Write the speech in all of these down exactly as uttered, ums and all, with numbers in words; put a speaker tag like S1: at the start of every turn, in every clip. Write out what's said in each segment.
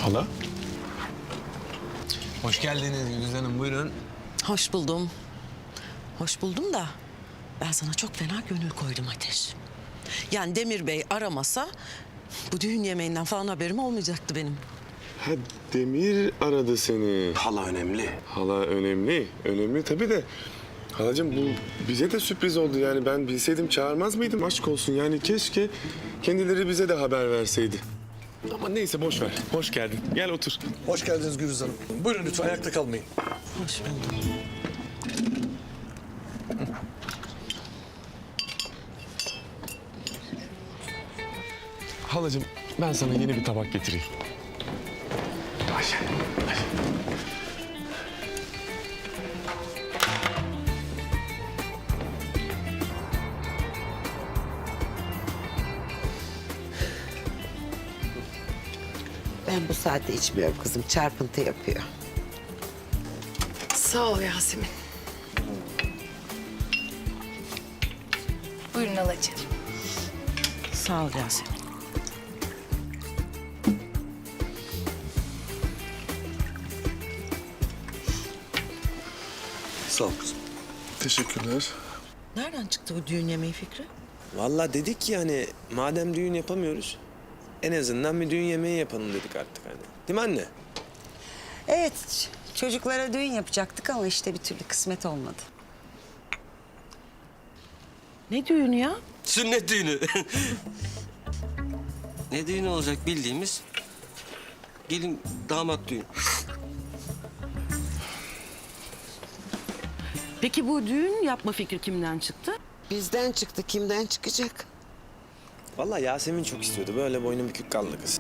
S1: Hala?
S2: Hoş geldiniz Güliz Hanım, buyurun.
S3: Hoş buldum. Hoş buldum da ben sana çok fena gönül koydum Ateş. Yani Demir Bey aramasa bu düğün yemeğinden falan haberim olmayacaktı benim.
S1: Ha, Demir aradı seni.
S2: Hala önemli.
S1: Hala önemli. Önemli tabii de. Halacığım bu bize de sürpriz oldu. Yani ben bilseydim çağırmaz mıydım? Aşk olsun. Yani keşke kendileri bize de haber verseydi. Ama neyse boş ver. Hoş geldin. Gel otur.
S4: Hoş geldiniz Gülüz Hanım. Buyurun lütfen ayakta kalmayın.
S3: Hoş buldum.
S1: Halacığım ben sana yeni bir tabak getireyim. Ayşe, Ayşe.
S5: Ben bu saatte içmiyorum kızım. Çarpıntı yapıyor.
S6: Sağ ol Yasemin. Buyurun halacığım.
S3: Sağ ol Yasemin.
S4: Sağ ol kızım.
S1: Teşekkürler.
S3: Nereden çıktı bu düğün yemeği fikri?
S2: Vallahi dedik ki hani madem düğün yapamıyoruz, en azından bir düğün yemeği yapalım dedik artık hani. Değil mi anne?
S5: Evet, ç- çocuklara düğün yapacaktık ama işte bir türlü kısmet olmadı.
S3: Ne düğünü ya?
S7: Sünnet düğünü. Ne düğünü olacak bildiğimiz? Gelin damat düğün.
S3: Peki bu düğün yapma fikri kimden çıktı?
S5: Bizden çıktı, kimden çıkacak?
S2: Vallahi Yasemin çok istiyordu. Böyle boynu bükük kaldı kız.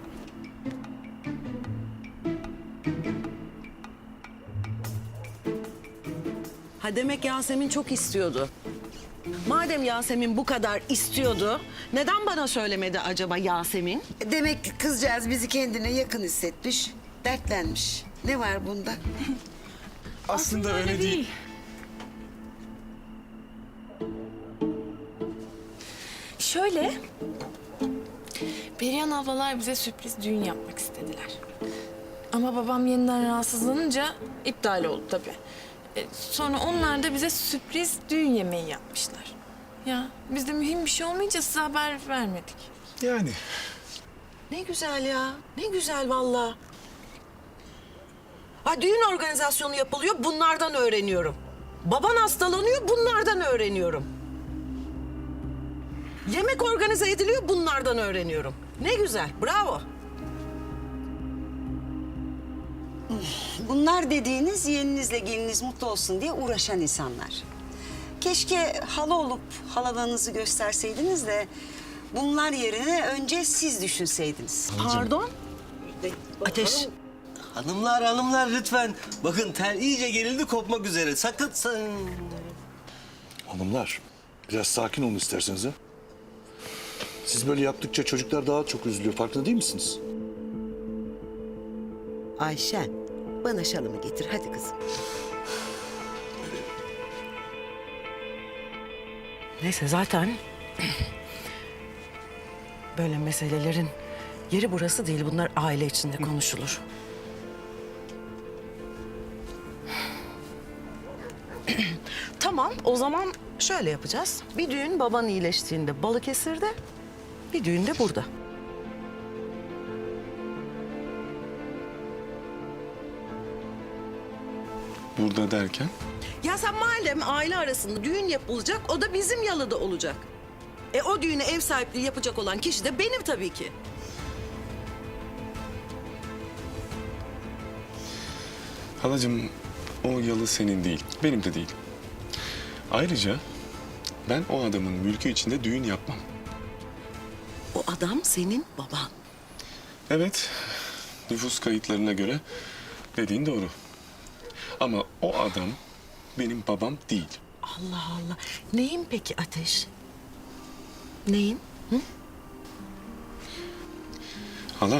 S3: Ha demek Yasemin çok istiyordu. Madem Yasemin bu kadar istiyordu, neden bana söylemedi acaba Yasemin?
S5: Demek ki kızcağız bizi kendine yakın hissetmiş, dertlenmiş. Ne var bunda?
S1: Aslında öyle değil.
S6: Şöyle, Perihan ablalar bize sürpriz düğün yapmak istediler. Ama babam yeniden rahatsızlanınca iptal oldu tabii. E, sonra onlar da bize sürpriz düğün yemeği yapmışlar. Ya biz de mühim bir şey olmayınca size haber vermedik.
S1: Yani.
S3: Ne güzel ya, ne güzel vallahi. Ha düğün organizasyonu yapılıyor, bunlardan öğreniyorum. Baban hastalanıyor, bunlardan öğreniyorum. Yemek organize ediliyor, bunlardan öğreniyorum. Ne güzel, bravo.
S5: Bunlar dediğiniz yeğeninizle geliniz mutlu olsun diye uğraşan insanlar. Keşke hala olup halalığınızı gösterseydiniz de bunlar yerine önce siz düşünseydiniz.
S3: Pardon? Ateş.
S7: Hanımlar hanımlar lütfen. Bakın tel iyice gerildi kopmak üzere. Sakın sen...
S4: Hanımlar, biraz sakin olun isterseniz ha. Siz böyle yaptıkça çocuklar daha çok üzülüyor. Farkında değil misiniz?
S5: Ayşen, bana şalımı getir hadi kızım.
S3: Neyse zaten böyle meselelerin yeri burası değil. Bunlar aile içinde konuşulur. Tamam, o zaman şöyle yapacağız. Bir düğün baban iyileştiğinde Balıkesir'de, bir düğün de burada.
S1: Burada derken?
S3: Ya sen madem aile arasında düğün yapılacak, o da bizim yalıda olacak. E o düğüne ev sahipliği yapacak olan kişi de benim tabii ki.
S1: Halacığım o yalı senin değil. Benim de değil. Ayrıca ben o adamın mülkü içinde düğün yapmam.
S3: O adam senin baban.
S1: Evet, nüfus kayıtlarına göre dediğin doğru. Ama o adam benim babam değil.
S3: Allah Allah. Neyin peki Ateş? Neyin? Hı?
S1: Hala.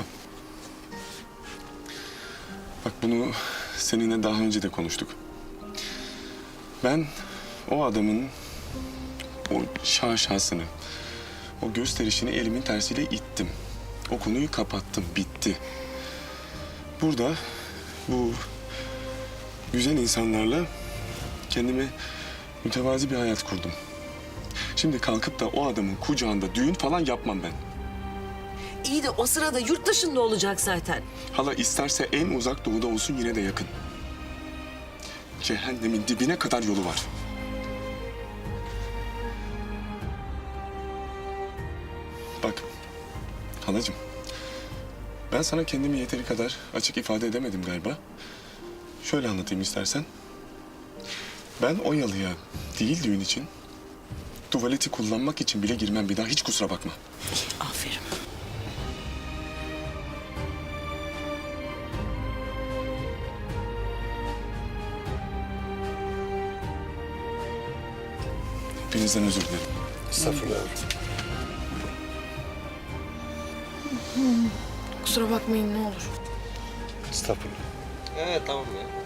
S1: Bak bunu seninle daha önce de konuştuk. Ben o adamın o şaşasını, o gösterişini elimin tersiyle ittim. O konuyu kapattım, bitti. burada bu güzel insanlarla kendime mütevazi bir hayat kurdum. Şimdi kalkıp da o adamın kucağında düğün falan yapmam ben.
S8: İyi de o sırada yurt dışında olacak zaten.
S1: Hala isterse en uzak doğuda olsun yine de yakın. Cehennemin dibine kadar yolu var. Bak halacığım, ben sana kendimi yeteri kadar açık ifade edemedim galiba. Şöyle anlatayım istersen. Ben o yalıya değil düğün için, tuvaleti kullanmak için bile girmem bir daha, hiç kusura bakma.
S3: Aferin.
S1: Hepinizden özür dilerim.
S4: Estağfurullah.
S6: Kusura bakmayın ne olur.
S4: Estağfurullah.
S7: Evet tamam ya.